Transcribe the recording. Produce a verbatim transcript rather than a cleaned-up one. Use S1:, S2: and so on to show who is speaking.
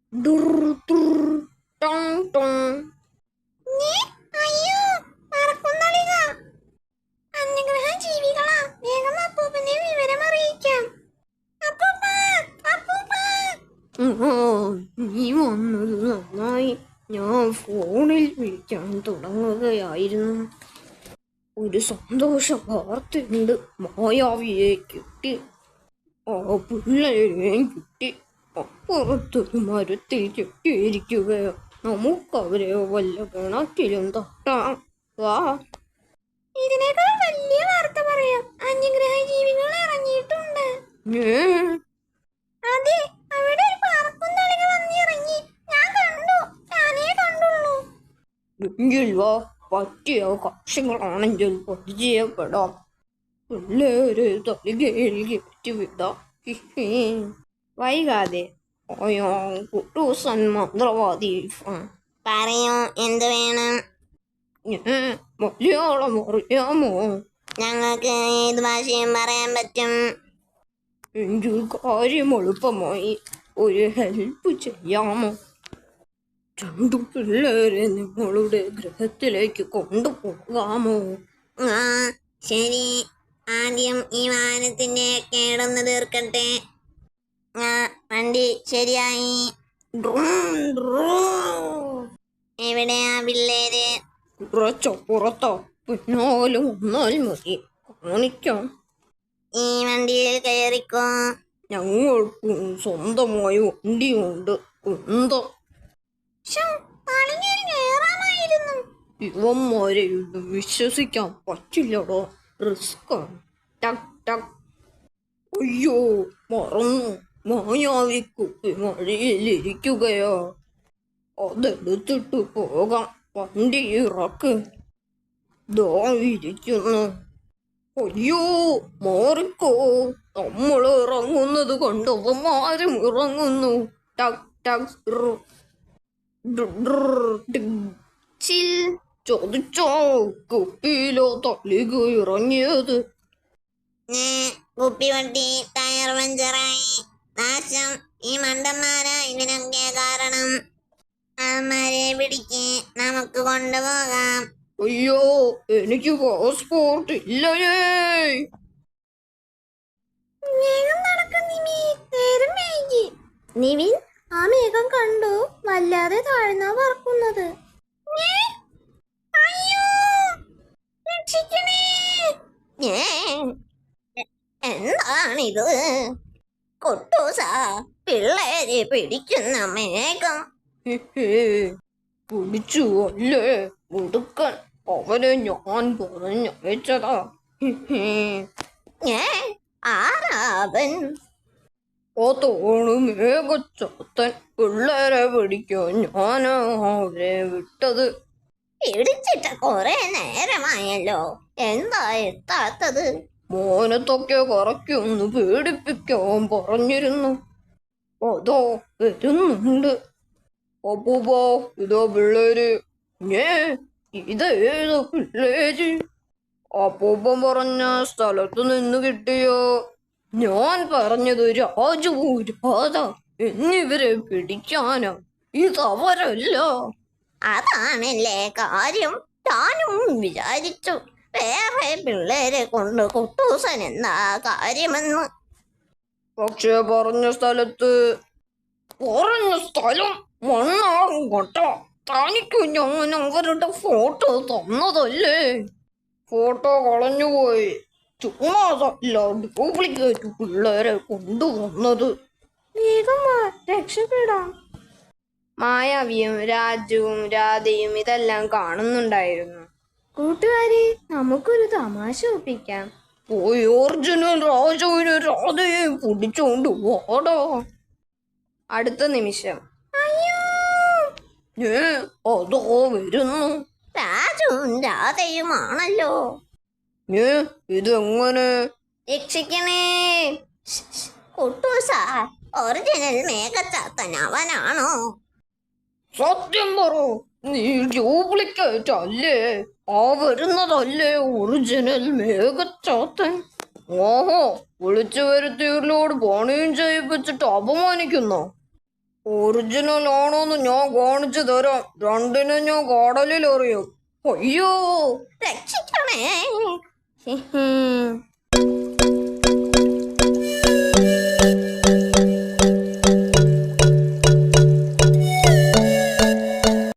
S1: ഡുർ ഡുർ Tong Tong.
S2: ഞേ, അയ്യോ, പറക്കുന്നളിക. അന്യഗ്രഹ ജീവികളാ, വേഗം അപ്പൂപ്പനെ വിവരം അറിയിക്കാം. അപ്പൂപ്പ, അപ്പൂപ്പ.
S1: ആ, നീ വന്നത് നന്നായി. ഞാൻ ഫോണിൽ വിളിക്കാൻ തുടങ്ങുകയായിരുന്നു. ഒരു സന്തോഷ വാർത്തയുണ്ട്. മായാവിയെ കിട്ടി. ആ പിള്ളേരെയും കിട്ടി. അപ്പുറത്തൊരു മരത്തിൽ കെട്ടിയിരിക്കുകയോ. നമുക്കവരെ വല്ല കിണറ്റിലും തട്ടാം. വാ.
S2: ഇതിനേക്കാൾ വലിയ വാർത്ത പറയാം. അന്യഗ്രഹ ജീവികൾ ഇറങ്ങിയിട്ടുണ്ട്.
S1: ഏ,
S2: അതെ, അവിടെ ഒരു പറക്കുന്നളിക വന്നിറങ്ങി. ഞാൻ കണ്ടു, ഞാനേ കണ്ടുള്ളൂ.
S1: എങ്കിൽ വാ. പറ്റിയ കക്ഷികളാണെങ്കിൽ പരിചയപ്പെടാം. പിള്ളേരെ തലികയിൽ കയറ്റി വിടാം. വൈകാതെ അയ്യോ, കുട്ടൂസൻ മന്ത്രവാദി.
S2: പറയൂ, എന്ത് വേണം?
S1: ഏ, മലയാളം അറിയാമോ?
S2: ഞങ്ങൾക്ക് ഏത് ഭാഷയും പറയാൻ പറ്റും.
S1: എങ്കിൽ കാര്യം എളുപ്പമായി. ഒരു ഹെൽപ്പ് ചെയ്യാമോ? രണ്ടു പിള്ളേരെ നിങ്ങളുടെ ഗ്രഹത്തിലേക്ക് കൊണ്ടുപോകാമോ?
S2: ആ, ശരി. ആദ്യം ഈ വാഹനത്തിന്റെ കേടൊന്ന് തീർക്കട്ടെ. ആ, വണ്ടി ശരിയായി. എവിടെയാ പിള്ളേര്?
S1: കുറച്ചപ്പുറത്തോ. പിന്നാലെ വന്നാൽ മതി, കാണിക്കാം.
S2: ഈ വണ്ടിയിൽ കയറിക്കോ.
S1: ഞങ്ങൾക്കും സ്വന്തമായി വണ്ടിയുണ്ട്. എന്താ ഇവന്മാരെ ഒന്നും വിശ്വസിക്കാൻ പറ്റില്ലടോ. റിസ്ക്. ടക് ടക്. അയ്യോ, മറന്നു. മായാവി കുപ്പി മഴയിലിരിക്കുകയോ. അതെടുത്തിട്ട് പോകാം. വണ്ടി ഇറക്ക്. ദോ ഇരിക്കുന്നു. അയ്യോ, മാറിക്കോ. നമ്മൾ ഇറങ്ങുന്നത് കൊണ്ട് അവന്മാരും ഇറങ്ങുന്നു. ടക് ടക്.
S2: ചിൽ.
S1: ചോദിച്ചോ, കുപ്പിയിലോ തളിക ഇറങ്ങിയത്?
S2: കുപ്പി വണ്ടി ടയർ പഞ്ചറായി. നാശം. ഈ മണ്ടന്മാരാ ഇതിനൊക്കെ കാരണം. അവന്മാരെ പിടിക്ക്, നമുക്ക് കൊണ്ടുപോകാം.
S1: അയ്യോ, എനിക്ക് പാസ്പോർട്ട് ഇല്ലയേ.
S2: നിവിൻ, ആ മേഘം കണ്ടു. വല്ലാതെ താഴ്ന്നാ പറക്കുന്നത്. എന്താണിത്? കുട്ടൂസ, പിള്ളേരെ പിടിക്കുന്ന മേഘം.
S1: പിടിച്ചു അല്ലേ മുടുക്കൻ. അവനെ ഞാൻ പറഞ്ഞയച്ചതാ.
S2: ആരാവൻ?
S1: അതാണ് മേഘച്ചാത്തൻ. പിള്ളേരെ പിടിക്കാൻ ഞാൻ അവരെ വിട്ടത്.
S2: പിടിച്ചിട്ട് കൊറേ നേരമായല്ലോ, എന്താ എത്താത്തത്?
S1: മോനത്തൊക്കെ കറക്കൊന്ന് പേടിപ്പിക്കാൻ പറഞ്ഞിരുന്നു. അതോ വരുന്നുണ്ട്. അപ്പൂപ്പോ, ഇതോ പിള്ളേര്. ഞേ, ഇതേതോ പിള്ളേര്? അപ്പൂപ്പൻ പറഞ്ഞ സ്ഥലത്ത് നിന്ന് കിട്ടിയോ? ഞാൻ പറഞ്ഞത് രാജു, രാധ എന്നിവരെ പിടിക്കാനാ. ഇതവരല്ല.
S2: അതാണല്ലേ കാര്യം. ഞാനും വിചാരിച്ചു വേറെ പിള്ളേരെ കൊണ്ട് കുട്ടൂസൻ എന്താ കാര്യമെന്ന്.
S1: പക്ഷെ പറഞ്ഞ സ്ഥലത്ത് പറഞ്ഞ സ്ഥലം മണ്ണാകും കൊട്ട. തനിക്ക് ഞാൻ അവരുടെ ഫോട്ടോ തന്നതല്ലേ. ഫോട്ടോ കളഞ്ഞുപോയി. ചുമ്മാതല്ല ഡ്യൂപ്ലിക്കേറ്റ് പിള്ളേരെ കൊണ്ടുവന്നത്.
S2: രക്ഷപ്പെടാം.
S1: മായാവിയും രാജുവും രാധയും ഇതെല്ലാം കാണുന്നുണ്ടായിരുന്നു.
S2: കൂട്ടുകാരി, നമുക്കൊരു തമാശ ഒപ്പിക്കാം.
S1: പോയി ഒറിജിനൽ രാജുവിനെ രാധയെ പിടിച്ചോണ്ട് വാടോ. അടുത്ത നിമിഷം ഏ അതോ വരുന്നു.
S2: രാജുവും രാധയുമാണല്ലോ.
S1: ഏ ഇതെങ്ങനെ?
S2: രക്ഷിക്കണേ. കുട്ടൂസ, ഒറിജിനൽ മേഘച്ചാത്തൻ അവനാണോ?
S1: സത്യം പറ, നീ ഡ്യൂപ്ലിക്കേറ്റ് അല്ലേ? ആ വരുന്നതല്ലേ ഒറിജിനൽ മേഘച്ചാത്തൻ? ഓഹോ, വിളിച്ചു വരുത്തിയവരിലോട് പണിയും ചെയ്യിപ്പിച്ചിട്ട് അപമാനിക്കുന്നോ? ഒറിജിനൽ ആണോന്ന് ഞാൻ കാണിച്ചു തരാം. രണ്ടിനും ഞാൻ കടലിൽ എറിയും. അയ്യോ
S2: രക്ഷിക്കണേ.